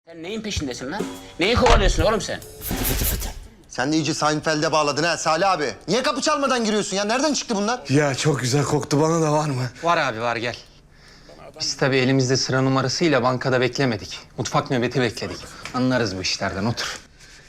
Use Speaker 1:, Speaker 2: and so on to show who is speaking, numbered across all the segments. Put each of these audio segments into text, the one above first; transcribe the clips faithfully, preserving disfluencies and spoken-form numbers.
Speaker 1: Sen neyin peşindesin lan? Neyi kovalıyorsun oğlum sen?
Speaker 2: Sen de iyice Seinfeld'e bağladın ha Salih abi. Niye kapı çalmadan giriyorsun ya? Nereden çıktı bunlar?
Speaker 3: Ya çok güzel koktu, bana da var mı?
Speaker 4: Var abi var, gel. Biz tabii elimizde sıra numarasıyla bankada beklemedik. Mutfak nöbeti bekledik. Anlarız bu işlerden, otur.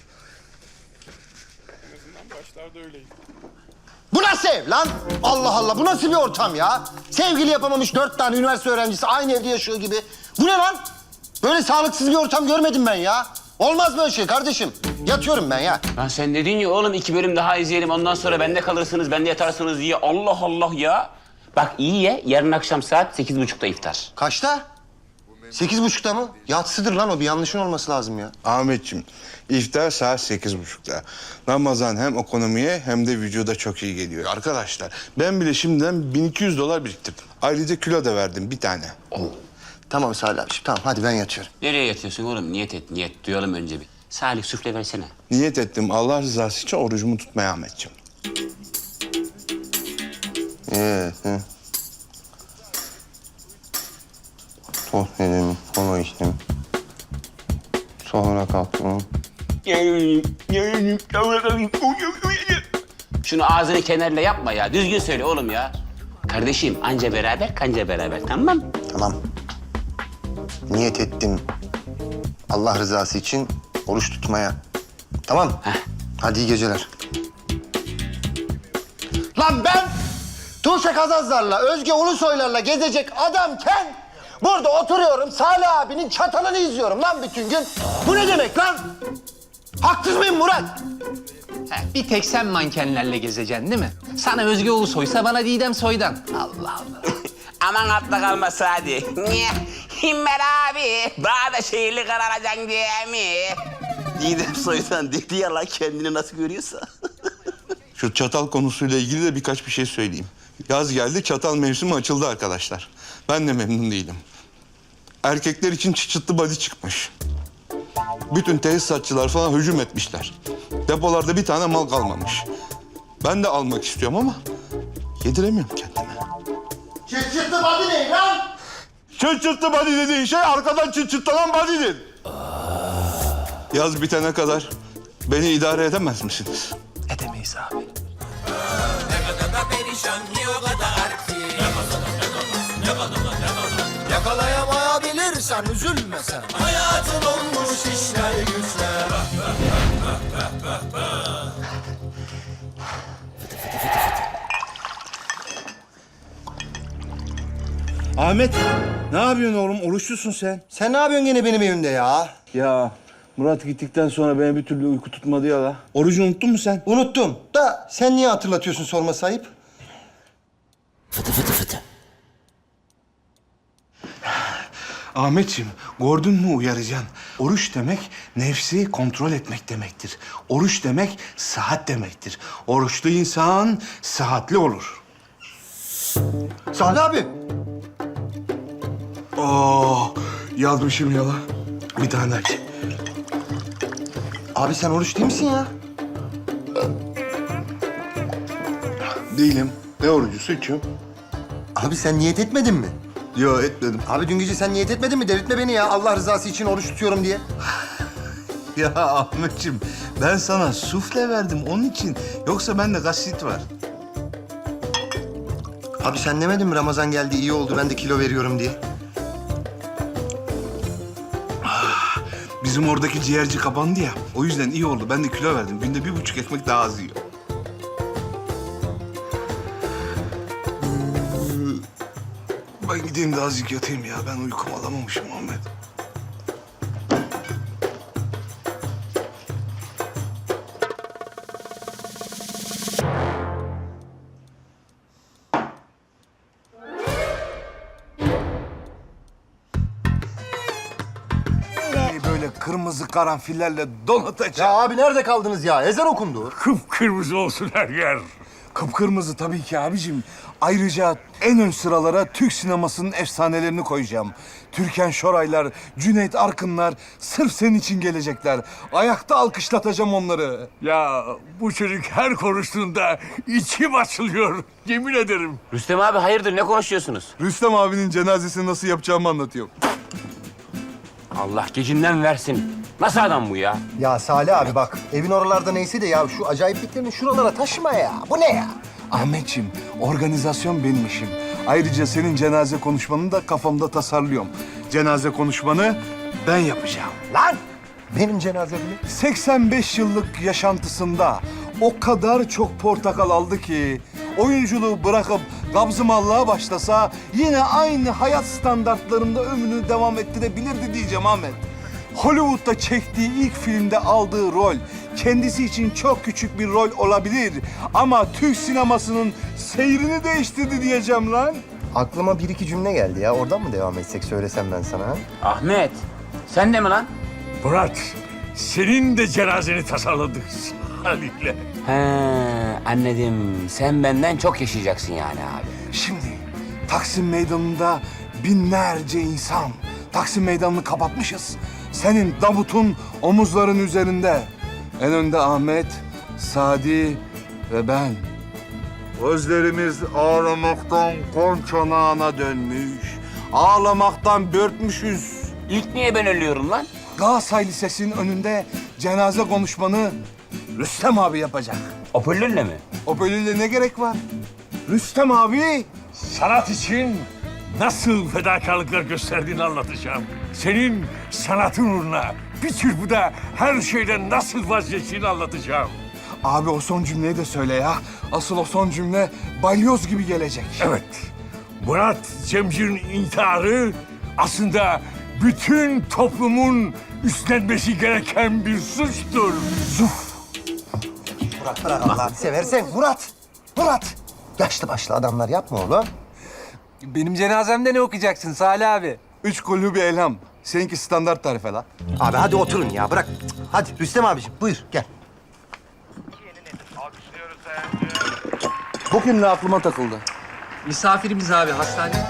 Speaker 2: Bu nasıl ev lan? Allah Allah, bu nasıl bir ortam ya? Sevgili yapamamış dört tane üniversite öğrencisi aynı evde yaşıyor gibi. Bu ne lan? Böyle sağlıksız bir ortam görmedim ben ya. Olmaz böyle şey kardeşim. Yatıyorum ben ya.
Speaker 1: Lan sen dedin ya oğlum iki bölüm daha izleyelim ondan sonra bende kalırsınız, bende yatarsınız diye. Allah Allah ya. Bak iyi ye, yarın akşam saat sekiz buçukta iftar.
Speaker 2: Kaçta? Sekiz buçukta mı? Yatsıdır lan o, bir yanlışın olması lazım ya.
Speaker 3: Ahmetciğim, iftar saat sekiz buçukta. Ramazan hem ekonomiye hem de vücuda çok iyi geliyor. Arkadaşlar, ben bile şimdiden bin iki yüz dolar biriktirdim. Ayrıca kilo da verdim bir tane.
Speaker 2: Tamam Salih abi, tamam hadi ben yatıyorum.
Speaker 1: Nereye yatıyorsun oğlum? Niyet et, niyet. Duyalım önce bir. Salih süfle versene.
Speaker 3: Niyet ettim Allah rızası için orucumu tutmaya Ahmetciğim.
Speaker 2: Ee, hı. Tost yedim, kola içtim. Sonra kalktım.
Speaker 1: Şunu ağzını kenarla yapma ya. Düzgün söyle oğlum ya. Kardeşim anca beraber kanca beraber, tamam mı?
Speaker 2: Tamam. Niyet ettim. Allah rızası için oruç tutmaya. Tamam.
Speaker 1: Heh.
Speaker 2: Hadi iyi geceler. Lan ben Tuğçe Kazazlar'la, Özge Ulusoylar'la gezecek adamken burada oturuyorum, Salih abinin çatalını izliyorum lan bütün gün. Bu ne demek lan? Haksız mıyım Murat?
Speaker 4: Ha, bir tek sen mankenlerle gezeceksin değil mi? Sana Özge Ulusoy'sa bana Didem Soy'dan. Allah Allah.
Speaker 1: Aman atla kalma Sadi. Niye? Himmet abi. Daha da şehirli kararacaksın diye mi? Didem Soy'dan dedi ya lan kendini nasıl görüyorsa.
Speaker 3: Şu çatal konusuyla ilgili de birkaç bir şey söyleyeyim. Yaz geldi, çatal mevsimi açıldı arkadaşlar. Ben de memnun değilim. Erkekler için çıçıtlı body çıkmış. Bütün tesisatçılar falan hücum etmişler. Depolarda bir tane mal kalmamış. Ben de almak istiyorum ama yediremiyorum kendime.
Speaker 2: Çıt body ne lan?
Speaker 3: Çıçıtlı body dediğin şey arkadan çıçıtlanan body'dir. Yaz bitene kadar beni idare edemez misiniz?
Speaker 4: Edemeyiz abi.
Speaker 5: Yakalayamayabilirsen üzülme sen. Hayatın olmuş işler güçler.
Speaker 3: Ahmet, ne yapıyorsun oğlum? Oruçlusun sen.
Speaker 2: Sen ne yapıyorsun gene benim evimde ya?
Speaker 3: Ya Murat gittikten sonra beni bir türlü uyku tutmadı ya la. Orucu unuttun mu sen?
Speaker 2: Unuttum. Da sen niye hatırlatıyorsun sorma sahip?
Speaker 3: Ahmetciğim, gördün mü uyaracaksın? Oruç demek nefsi kontrol etmek demektir. Oruç demek sıhhat demektir. Oruçlu insan sıhhatli olur.
Speaker 2: Salih abi.
Speaker 3: Oo, yazmışım ya la. Bir tane aç.
Speaker 2: Abi sen oruç değil misin ya?
Speaker 3: Değilim. Ne orucusu içiyorum?
Speaker 2: Abi sen niyet etmedin mi?
Speaker 3: Yo, etmedim.
Speaker 2: Abi dün gece sen niyet etmedin mi? Delirtme beni ya. Allah rızası için oruç tutuyorum diye.
Speaker 3: Ya Ahmetciğim, ben sana sufle verdim onun için. Yoksa bende gastrit var.
Speaker 2: Abi sen demedin mi Ramazan geldi iyi oldu ben de kilo veriyorum diye?
Speaker 3: Bizim oradaki ciğerci kapandı ya. O yüzden iyi oldu. Ben de kilo verdim. Günde bir buçuk ekmek daha az yiyor. Ben gideyim de azıcık yatayım ya. Ben uykumu alamamışım Ahmet.
Speaker 6: Böyle kırmızı karanfillerle donatacak.
Speaker 2: Ya abi nerede kaldınız ya? Ezan okundu.
Speaker 6: Kıpkırmızı olsun her yer. Kıpkırmızı tabii ki abicim. Ayrıca en ön sıralara Türk sinemasının efsanelerini koyacağım. Türkan Şoraylar, Cüneyt Arkınlar sırf senin için gelecekler. Ayakta alkışlatacağım onları.
Speaker 7: Ya bu çocuk her konuştuğunda içim açılıyor. Yemin ederim.
Speaker 1: Rüstem abi hayırdır ne konuşuyorsunuz?
Speaker 3: Rüstem abinin cenazesini nasıl yapacağımı anlatıyorum.
Speaker 8: Allah gecinden versin. Nasıl adam bu ya?
Speaker 2: Ya Salih abi bak, evin oralarda neyse de ya şu acayipliklerini şuralara taşıma ya. Bu ne ya?
Speaker 6: Ahmetciğim, organizasyon benim işim. Ayrıca senin cenaze konuşmanı da kafamda tasarlıyorum. Cenaze konuşmanı ben yapacağım.
Speaker 2: Lan! Benim cenazemi.
Speaker 6: seksen beş yıllık yaşantısında o kadar çok portakal aldı ki oyunculuğu bırakıp gabzımallığa başlasa yine aynı hayat standartlarında ömrünü devam ettirebilirdi diyeceğim Ahmet. Hollywood'da çektiği ilk filmde aldığı rol kendisi için çok küçük bir rol olabilir ama Türk sinemasının seyrini değiştirdi diyeceğim lan.
Speaker 2: Aklıma bir iki cümle geldi ya. Oradan mı devam etsek söylesem ben sana ha?
Speaker 8: Ahmet, sen de mi lan?
Speaker 7: Murat, senin de cenazeni tasarladık Salih'le.
Speaker 8: He, anladım. Sen benden çok yaşayacaksın yani abi.
Speaker 6: Şimdi Taksim Meydanı'nda binlerce insan. Taksim Meydanı'nı kapatmışız. Senin Davut'un omuzların üzerinde. En önde Ahmet, Sadi ve ben. Gözlerimiz ağlamaktan kon çanağına dönmüş. Ağlamaktan börtmüşüz.
Speaker 8: İlk niye ben ölüyorum lan?
Speaker 6: Galatasaray Lisesi'nin önünde cenaze konuşmanı Rüstem abi yapacak.
Speaker 8: Hoparlörle mi?
Speaker 6: O bölümde ne gerek var? Rüstem abi.
Speaker 7: Sanat için nasıl fedakarlıklar gösterdiğini anlatacağım. Senin sanatın uğruna bir çırpıda her şeyden nasıl vazgeçtiğini anlatacağım.
Speaker 6: Abi o son cümleyi de söyle ya. Asıl o son cümle balyoz gibi gelecek.
Speaker 7: Evet, Murat Cemcir'in intiharı aslında bütün toplumun üstlenmesi gereken bir suçtur.
Speaker 6: Zuf.
Speaker 2: Murat bırak Allah'ını seversen. Murat! Murat! Yaşlı başlı adamlar yapma oğlum.
Speaker 4: Benim cenazemde ne okuyacaksın Salih abi?
Speaker 6: Üç kullu bir elham. Seninki standart tarife la.
Speaker 2: Abi hadi oturun ya bırak. Hadi Rüstem abiciğim buyur gel.
Speaker 6: Bugün ne aklıma takıldı?
Speaker 4: Misafirimiz abi hastane.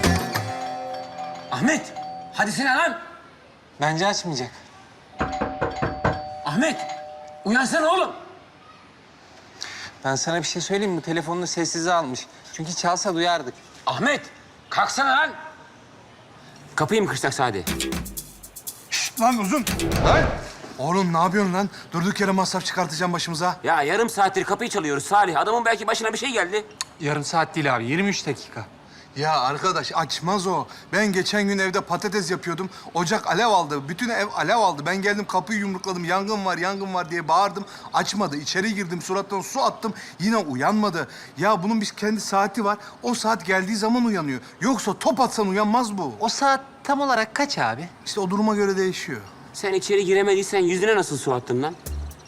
Speaker 8: Ahmet, hadi sen lan.
Speaker 4: Bence açmayacak.
Speaker 8: Ahmet, uyansana oğlum.
Speaker 4: Ben sana bir şey söyleyeyim mi? Telefonunu sessize almış. Çünkü çalsa duyardık.
Speaker 8: Ahmet, kalksana lan. Kapıyı mı kırsak Sadi?
Speaker 6: Şşt lan uzun. Lan. Oğlum ne yapıyorsun lan? Durduk yere masraf çıkartacağım başımıza.
Speaker 8: Ya yarım saattir kapıyı çalıyoruz Salih. Adamın belki başına bir şey geldi.
Speaker 4: Yarım saat değil abi, yirmi üç dakika.
Speaker 6: Ya arkadaş açmaz o. Ben geçen gün evde patates yapıyordum. Ocak alev aldı. Bütün ev alev aldı. Ben geldim kapıyı yumrukladım. Yangın var, yangın var diye bağırdım. Açmadı. İçeri girdim. Surattan su attım. Yine uyanmadı. Ya bunun bir kendi saati var. O saat geldiği zaman uyanıyor. Yoksa top atsan uyanmaz bu.
Speaker 4: O saat tam olarak kaç abi?
Speaker 6: İşte o duruma göre değişiyor.
Speaker 8: Sen içeri giremediysen yüzüne nasıl su attın lan?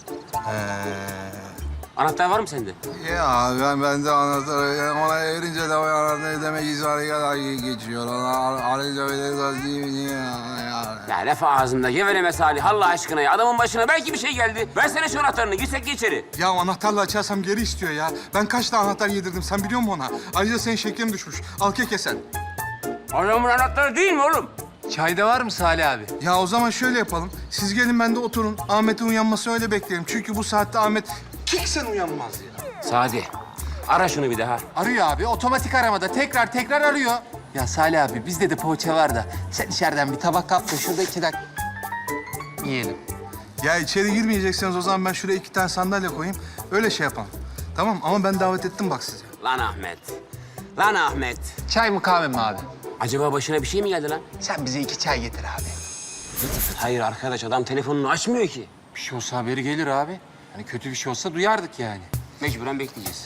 Speaker 8: Anahtar var mı sende?
Speaker 6: Ya ben ben de anahtarı ona erince de o anahtarı demek izahı kadar geçiyor. Ona arayınca öyle değil mi ya?
Speaker 8: Ya laf ağzında geveleme Salih Allah aşkına ya. Adamın başına belki bir şey geldi. Versene şu anahtarını girsek de içeri.
Speaker 6: Ya anahtarla açarsam geri istiyor ya. Ben kaç tane anahtar yedirdim sen biliyor musun ona? Ayrıca senin şekerin düşmüş. Al kek yesen.
Speaker 8: Adamın anahtarı değil mi oğlum?
Speaker 4: Çayda var mı Salih abi?
Speaker 6: Ya o zaman şöyle yapalım. Siz gelin ben de oturun. Ahmet'in uyanması öyle bekleyelim. Çünkü bu saatte Ahmet kiksen uyanmaz ya.
Speaker 8: Sadi ara şunu bir daha.
Speaker 4: Arıyor abi, otomatik aramada. Tekrar tekrar arıyor. Ya Salih abi, bizde de poğaça var da. Sen içeriden bir tabak kap da şurada iki dakika yiyelim.
Speaker 6: Ya içeri girmeyecekseniz o zaman ben şuraya iki tane sandalye koyayım. Öyle şey yapalım. Tamam ama ben davet ettim bak sizi.
Speaker 8: Lan Ahmet. Lan Ahmet.
Speaker 4: Çay mı kahve mi abi?
Speaker 8: Acaba başına bir şey mi geldi lan?
Speaker 4: Sen bize iki çay getir abi.
Speaker 8: Hayır arkadaş adam telefonunu açmıyor ki.
Speaker 4: Bir şey olsa haberi gelir abi. Hani kötü bir şey olsa duyardık yani.
Speaker 8: Mecburen bekleyeceğiz.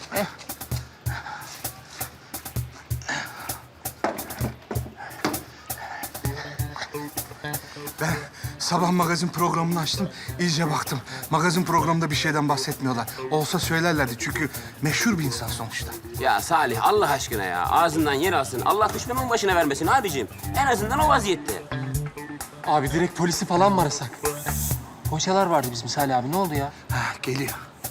Speaker 6: Ben sabah magazin programını açtım, iyice baktım. Magazin programında bir şeyden bahsetmiyorlar. Olsa söylerlerdi çünkü meşhur bir insan sonuçta.
Speaker 8: Ya Salih Allah aşkına ya. Ağzından yer alsın. Allah düşmanın başına vermesin abicim. En azından o vaziyette.
Speaker 4: Abi direkt polisi falan mı arasak? Poğaçalar vardı bizim Salih abi. Ne oldu ya?
Speaker 6: Ha, geliyor.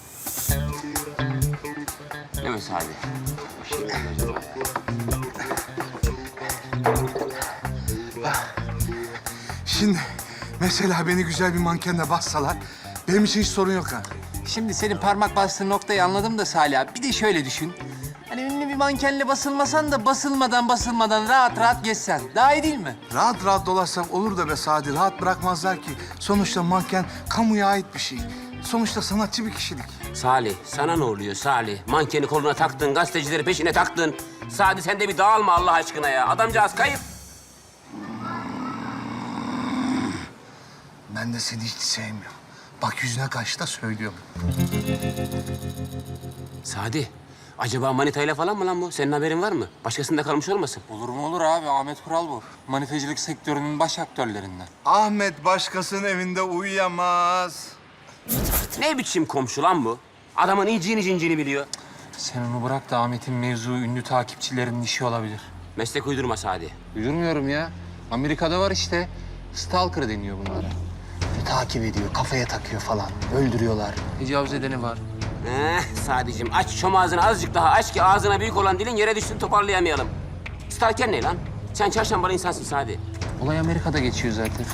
Speaker 8: Değil mi Salih? Bir şey mi oldu acaba ya?
Speaker 6: Şimdi mesela beni güzel bir mankenle bassalar benim için hiç sorun yok ha.
Speaker 4: Şimdi senin parmak bastığın noktayı anladım da Salih abi. Bir de şöyle düşün. Hani ünlü bir mankenle basılmasan da basılmadan basılmadan rahat rahat geçsen. Daha iyi değil mi?
Speaker 6: Rahat rahat dolaşsak olur da be Sadi. Rahat bırakmazlar ki. Sonuçta manken kamuya ait bir şey. Sonuçta sanatçı bir kişilik.
Speaker 8: Salih, sana ne oluyor Salih? Mankeni koluna taktın, gazetecileri peşine taktın. Sadi sen de bir dağılma Allah aşkına ya. Adamcağız kayıp.
Speaker 6: Ben de seni hiç sevmiyorum. Bak yüzüne karşı da söylüyorum.
Speaker 8: Sadi, acaba manitayla falan mı lan bu? Senin haberin var mı? Başkasında kalmış olmasın?
Speaker 4: Olur mu olur abi. Ahmet Kural bu. Manifacılık sektörünün baş aktörlerinden.
Speaker 6: Ahmet başkasının evinde uyuyamaz.
Speaker 8: Ne biçim komşu lan bu? Adamın iyiciğini cincini biliyor.
Speaker 4: Sen onu bırak da Ahmet'in mevzu ünlü takipçilerinin işi olabilir.
Speaker 8: Meslek uydurma Sadi.
Speaker 4: Uydurmuyorum ya. Amerika'da var işte. Stalker deniyor bunlara. Bir takip ediyor, kafaya takıyor falan. Öldürüyorlar. Tecavüz edeni var.
Speaker 8: Eh Sadicim aç çom ağzını azıcık daha aç ki ağzına büyük olan dilin yere düşsün toparlayamayalım. Stalker ne lan? Sen çarşambalı insansın Sadi.
Speaker 4: Olay Amerika'da geçiyor zaten.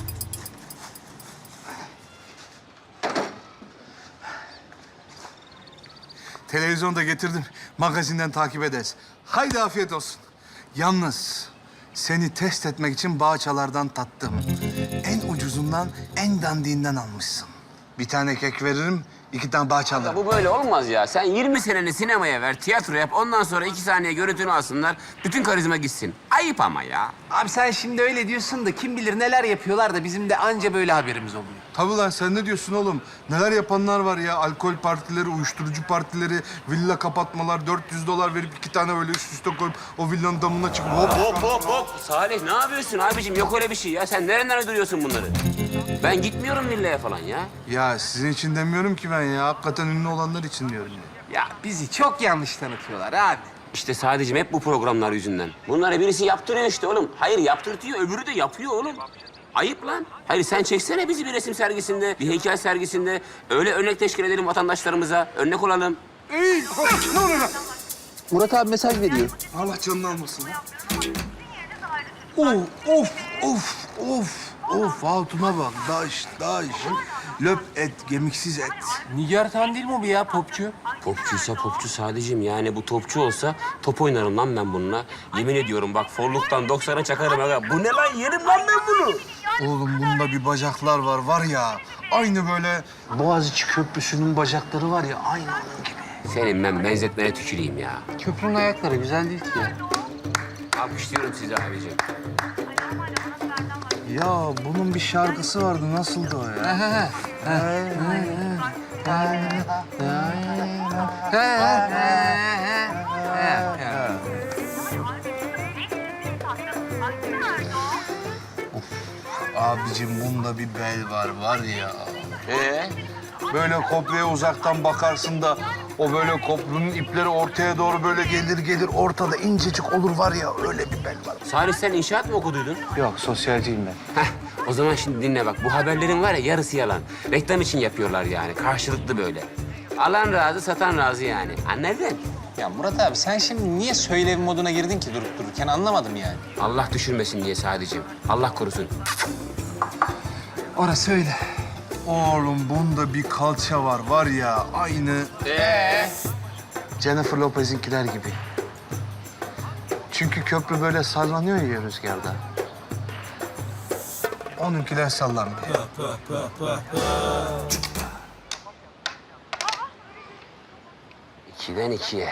Speaker 6: Televizyonda getirdim. Magazinden takip ederiz. Haydi afiyet olsun. Yalnız seni test etmek için bağçalardan tattım. En ucuzundan, en dandiğinden almışsın. Bir tane kek veririm, iki tane bağça
Speaker 8: Ya
Speaker 6: alırım.
Speaker 8: bu böyle olmaz ya. Sen yirmi seneni sinemaya ver, tiyatro yap. Ondan sonra iki saniye görüntünü alsınlar. Bütün karizma gitsin. Ayıp ama ya.
Speaker 4: Abi sen şimdi öyle diyorsun da kim bilir neler yapıyorlar da bizim de anca böyle haberimiz oluyor.
Speaker 6: Tabii lan sen ne diyorsun oğlum? Neler yapanlar var ya. Alkol partileri, uyuşturucu partileri, villa kapatmalar, dört yüz dolar verip iki tane böyle üst üste koyup o villanın damına çıkıp hop hop.
Speaker 8: Hop hop hop. Salih ne yapıyorsun abicim? Yok öyle bir şey ya. Sen nereden uyduruyorsun bunları? Ben gitmiyorum villaya falan ya.
Speaker 6: Ya sizin için demiyorum ki ben ya. Hakikaten ünlü olanlar için diyorum ya.
Speaker 4: Ya bizi çok yanlış tanıtıyorlar abi.
Speaker 8: İşte sadece hep bu programlar yüzünden. Bunları birisi yaptırıyor işte oğlum. Hayır yaptırtıyor, öbürü de yapıyor oğlum. Ayıp lan. Hayır sen çeksene bizi bir resim sergisinde, bir heykel sergisinde. Öyle örnek teşkil edelim vatandaşlarımıza. Örnek olalım.
Speaker 6: Ey! Ne oluyor lan?
Speaker 4: Murat abi mesaj veriyor.
Speaker 6: Allah canını almasın ya. Of, of, of, of, of. Hatuna bak. Daş, daş. Löp et, gemiksiz et.
Speaker 4: Nigar Tan değil mi o bir ya popçu?
Speaker 8: Popçuysa popçu sadece yani bu topçu olsa top oynarım lan ben bununla. Yemin ediyorum bak forluktan doksana çakarım aga. Bu ne lan yerim lan ben bunu.
Speaker 6: Oğlum bunda bir bacaklar var, var ya. Aynı böyle Boğaziçi Köprüsü'nün bacakları var ya, aynı onun gibi.
Speaker 8: Senin ben benzetmene tüküreyim ya.
Speaker 4: Köprünün ayakları güzel değil ki ya.
Speaker 8: Alkışlıyorum sizi abicim.
Speaker 6: Ya bunun bir şarkısı vardı, nasıldı o ya? Abicim bunda bir bel var, var ya.
Speaker 8: Ee?
Speaker 6: Böyle kopya uzaktan bakarsın da o böyle koprunun ipleri ortaya doğru böyle gelir gelir ortada incecik olur var ya, öyle bir bel var.
Speaker 8: Salih sen inşaat mı okuduydun?
Speaker 6: Yok, sosyalciyim ben.
Speaker 8: Heh, o zaman şimdi dinle bak. Bu haberlerin var ya yarısı yalan. Reklam için yapıyorlar yani. Karşılıklı böyle. Alan razı, satan razı yani. Anladın?
Speaker 4: Ya Murat abi sen şimdi niye söylev moduna girdin ki durup dururken anlamadım yani.
Speaker 8: Allah düşürmesin diye sadece. Allah korusun.
Speaker 4: Orası öyle.
Speaker 6: Oğlum bunda bir kalça var, var ya aynı
Speaker 8: Ee?
Speaker 6: Jennifer Lopez'inkiler gibi. Çünkü köprü böyle sallanıyor ya rüzgarda. Onunkiler sallanmıyor.
Speaker 8: İkiden ikiye.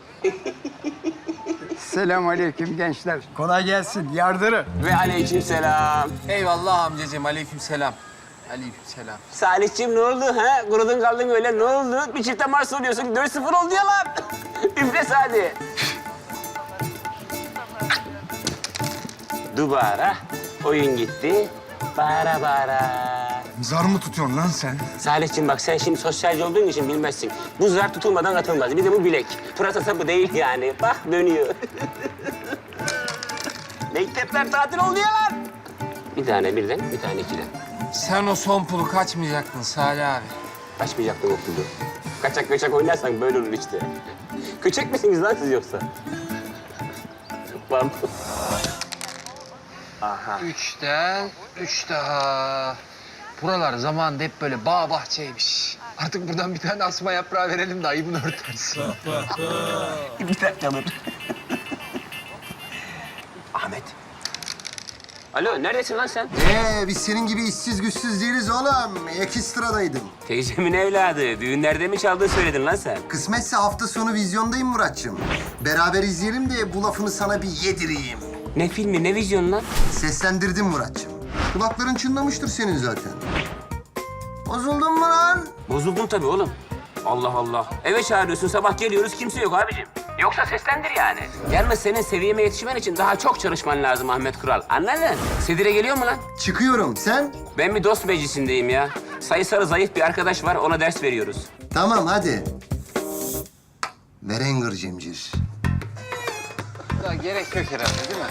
Speaker 9: Selamünaleyküm gençler. Kolay gelsin. Yardırı.
Speaker 8: Ve aleykümselam.
Speaker 4: Eyvallah amcacığım aleykümselam. Aleykümselam.
Speaker 8: Salihciğim ne oldu ha? Kurudun kaldın öyle ne oldu? Bir çifte Mars oluyorsun. dört sıfır oldu ya lan. Üfle Sadi. Dubara. Oyun gitti. Bara bara.
Speaker 6: Zar mı tutuyorsun lan sen?
Speaker 8: Salihciğim bak sen şimdi sosyalci olduğun için bilmezsin. Bu zar tutulmadan atılmaz. Bir de bu bilek. Pırasa sapı değil yani. Bak dönüyor. Mektepler tatil oldu ya lan. Bir tane birden, bir tane ikiden.
Speaker 4: Sen o son pulu kaçmayacaktın Salih abi.
Speaker 8: Kaçmayacaktım okulda. Kaçak kaçak oynarsan böyle olur işte. Köçek misiniz lan siz yoksa? Pardon.
Speaker 4: Üçten üç daha. buralar zamanında hep böyle bağ bahçeymiş. Artık buradan bir tane asma yaprağı verelim de ayıbını örtersin.
Speaker 8: Bir dakika dur. Ahmet. Alo, neredesin lan sen?
Speaker 2: Ee, biz senin gibi işsiz güçsüz değiliz oğlum. Ekstradaydım.
Speaker 8: Teyzemin evladı. Düğünlerde mi çaldığını söyledin lan sen?
Speaker 2: Kısmetse hafta sonu vizyondayım Muratçım. Beraber izleyelim de bu lafını sana bir yedireyim.
Speaker 8: Ne filmi, ne vizyonu lan?
Speaker 2: Seslendirdim Muratçım. Kulakların çınlamıştır senin zaten. Bozuldun mu lan?
Speaker 8: Bozuldum tabii oğlum. Allah Allah. Eve çağırıyorsun, sabah geliyoruz, kimse yok abicim. Yoksa seslendir yani. Yalnız senin seviyeme yetişmen için daha çok çalışman lazım Ahmet Kural. Anladın? Sedire geliyor mu lan?
Speaker 2: Çıkıyorum. Sen?
Speaker 8: Ben bir dost meclisindeyim ya. Sayısalı zayıf bir arkadaş var, ona ders veriyoruz.
Speaker 2: Tamam hadi. Verenger Cemcir.
Speaker 4: Ya gerek yok herhalde değil mi?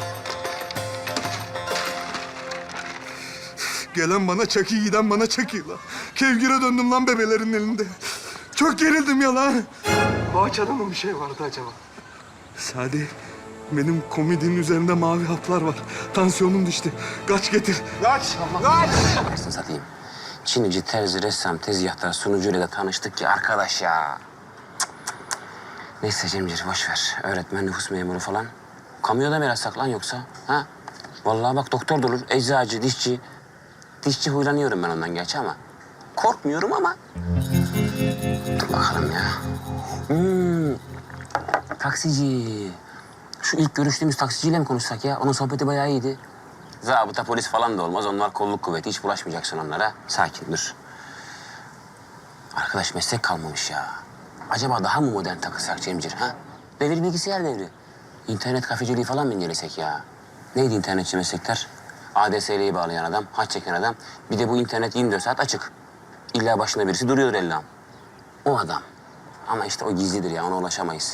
Speaker 3: Gelen bana çakı, giden bana çakıyla. Kevgire döndüm lan bebelerin elinde. Çok gerildim ya lan.
Speaker 6: Boğaçada mı bir şey vardı acaba?
Speaker 3: Sadi, benim komedinin üzerinde mavi haplar var. Tansiyonum düştü. Kaç getir.
Speaker 8: Anasını satayım. Çinici, terzi, ressam, tezgahtar, sunucuyla da tanıştık ya arkadaş ya. Cık, cık, cık. Neyse Cemcir, boş ver. Öğretmen, nüfus memuru falan. Kamuya da mı yazsak lan yoksa? Ha? Vallahi bak doktor da olur, eczacı, dişçi. Dişçi huylanıyorum ben ondan gerçi ama. Korkmuyorum ama. Dur bakalım ya. Hmm. Taksici. Şu ilk görüştüğümüz taksiciyle mi konuşsak ya? Onun sohbeti bayağı iyiydi. Zabıta, polis falan da olmaz. Onlar kolluk kuvveti. Hiç bulaşmayacaksın onlara. Sakin dur. Arkadaş meslek kalmamış ya. Acaba daha mı modern takılsak Cemcir ha? Devir bilgisayar devri. İnternet kafeciliği falan mı incelesek ya? Neydi internetçi meslekler? A D S L'yi bağlayan adam, haç çeken adam. Bir de bu internet yirmi dört saat açık. İlla başında birisi duruyordur ellam. O adam. Ama işte o gizlidir ya, ona ulaşamayız.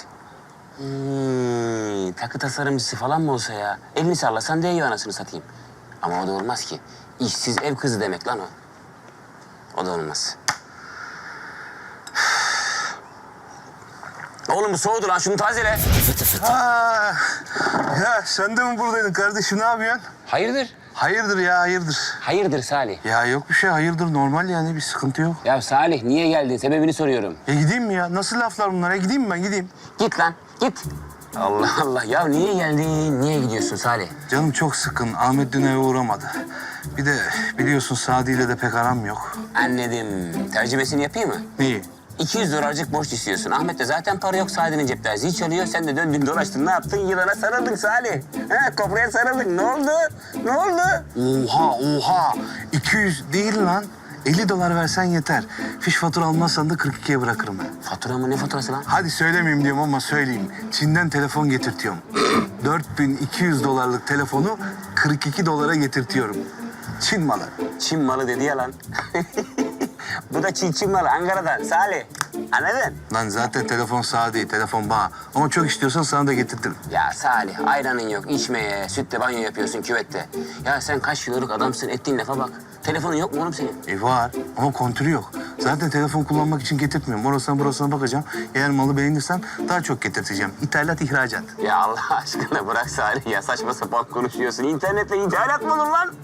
Speaker 8: Hmm, takı tasarımcısı falan mı olsa ya? Elini sallasan değiyor anasını satayım. Ama o da olmaz ki. İşsiz ev kızı demek lan o. O da olmaz. Oğlum bu soğudu lan, şunu tazele.
Speaker 3: Aa, ya sen de mi buradaydın kardeşim? Ne yapıyorsun?
Speaker 8: Hayırdır?
Speaker 3: Hayırdır ya, hayırdır.
Speaker 8: Hayırdır Salih?
Speaker 3: Ya yok bir şey, hayırdır. Normal yani, bir sıkıntı yok.
Speaker 8: Ya Salih niye geldin? Sebebini soruyorum.
Speaker 3: Ya gideyim mi ya? Nasıl laflar bunlar? Ya gideyim mi ben? Gideyim.
Speaker 8: Git lan, git. Allah Allah. Ya niye geldin? Niye gidiyorsun Salih?
Speaker 3: Canım çok sıkın. Ahmet dün eve uğramadı. Bir de biliyorsun Sadi ile de pek aram yok.
Speaker 8: Anladım. Tercümesini yapayım mı?
Speaker 3: Neyi?
Speaker 8: iki yüz dolarcık borç istiyorsun. Ahmet de zaten para yok. Sadi'nin cepte zil çalıyor. Sen de döndün dolaştın. Ne yaptın? Yılana sarıldın Salih. Ha, kopraya sarıldın. Ne oldu? Ne oldu?
Speaker 3: Oha oha. iki yüz değil lan. elli dolar versen yeter. Fiş fatura almazsan da kırk ikiye bırakırım ben.
Speaker 8: Fatura mı? Ne faturası lan?
Speaker 3: Hadi söylemeyeyim diyorum ama söyleyeyim. Çin'den telefon getirtiyorum. dört bin iki yüz dolarlık telefonu kırk iki dolara getirtiyorum. Çin malı.
Speaker 8: Çin malı dedi ya lan. Bu da Çin Çin malı Ankara'dan Salih. Anladın?
Speaker 3: Lan zaten telefon sağ değil, telefon bağ. Ama çok istiyorsan sana da getirtirim.
Speaker 8: Ya Salih ayranın yok içmeye, sütle banyo yapıyorsun küvette. Ya sen kaç kiloluk adamsın, ettiğin lafa bak. Telefonun yok mu oğlum senin?
Speaker 3: E var ama kontürü yok. Zaten telefon kullanmak için getirtmiyorum. Orasına burasına bakacağım. Eğer malı beğenirsen daha çok getirteceğim. İthalat, ihracat.
Speaker 8: Ya Allah aşkına bırak Salih ya, saçma sapan konuşuyorsun. İnternetle ithalat mı olur lan?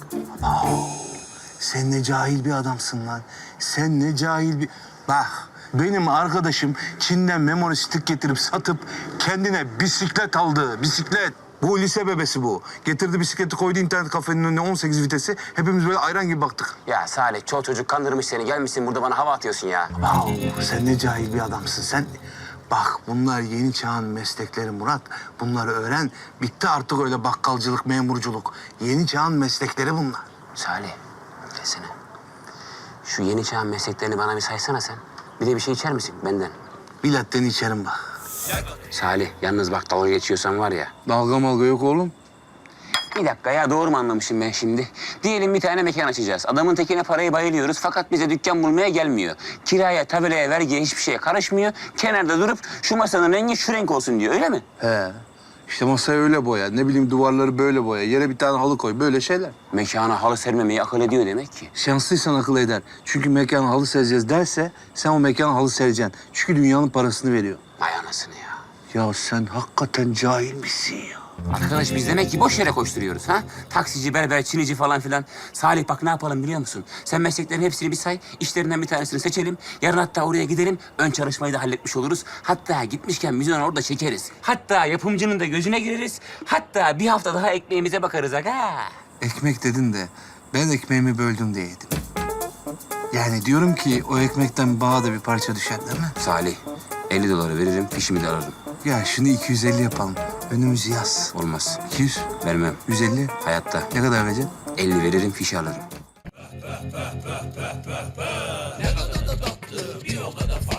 Speaker 3: Sen ne cahil bir adamsın lan. Sen ne cahil bir... Bak benim arkadaşım Çin'den memory stick getirip satıp kendine bisiklet aldı. Bisiklet. Bu lise bebesi bu. Getirdi bisikleti koydu internet kafenin önüne on sekiz vitesi. Hepimiz böyle ayran gibi baktık.
Speaker 8: Ya Salih çoğu çocuk kandırmış seni. Gelmişsin burada bana hava atıyorsun ya.
Speaker 3: Wow, sen ne cahil bir adamsın. Sen bak bunlar yeni çağın meslekleri Murat. Bunları öğren. Bitti artık öyle bakkalcılık, memurculuk. Yeni çağın meslekleri bunlar.
Speaker 8: Salih desene. Şu yeni çağın mesleklerini bana bir saysana sen. Bir de bir şey içer misin benden?
Speaker 3: Bir latten içerim bak.
Speaker 8: Salih yalnız bak dalga geçiyorsan var ya.
Speaker 3: Dalga malga yok oğlum.
Speaker 8: Bir dakika ya, doğru mu anlamışım ben şimdi? Diyelim bir tane mekan açacağız. Adamın tekine parayı bayılıyoruz fakat bize dükkan bulmaya gelmiyor. Kiraya, tabelaya, vergiye hiçbir şeye karışmıyor. Kenarda durup şu masanın rengi şu renk olsun diyor, öyle mi?
Speaker 3: He. İşte masayı öyle boya, ne bileyim duvarları böyle boya, yere bir tane halı koy, böyle şeyler.
Speaker 8: Mekana halı sermemeyi akıl ediyor demek ki.
Speaker 3: Şanslıysan akıl eder. Çünkü mekana halı sereceğiz derse sen o mekana halı sereceksin. Çünkü dünyanın parasını veriyor.
Speaker 8: Vay anasını ya.
Speaker 3: Ya sen hakikaten cahil misin ya?
Speaker 8: Arkadaş biz demek ki boş yere koşturuyoruz ha? Taksici, berber, çinici falan filan. Salih bak ne yapalım biliyor musun? Sen mesleklerin hepsini bir say, işlerinden bir tanesini seçelim. Yarın hatta oraya gidelim, ön çalışmayı da halletmiş oluruz. Hatta gitmişken biz onu orada çekeriz. Hatta yapımcının da gözüne gireriz. Hatta bir hafta daha ekmeğimize bakarız aga.
Speaker 4: Ekmek dedin de ben ekmeğimi böldüm diye yedim. Yani diyorum ki o ekmekten bana da bir parça düşer değil mi?
Speaker 8: Salih, elli doları veririm, fişimi de alırım.
Speaker 4: Ya şunu iki yüz elli yapalım. Önümüz yaz.
Speaker 8: Olmaz.
Speaker 4: iki yüz,
Speaker 8: Vermem.
Speaker 4: yüz elli.
Speaker 8: Hayatta.
Speaker 4: Ne kadar vereceksin?
Speaker 8: elli veririm, fişi alırım.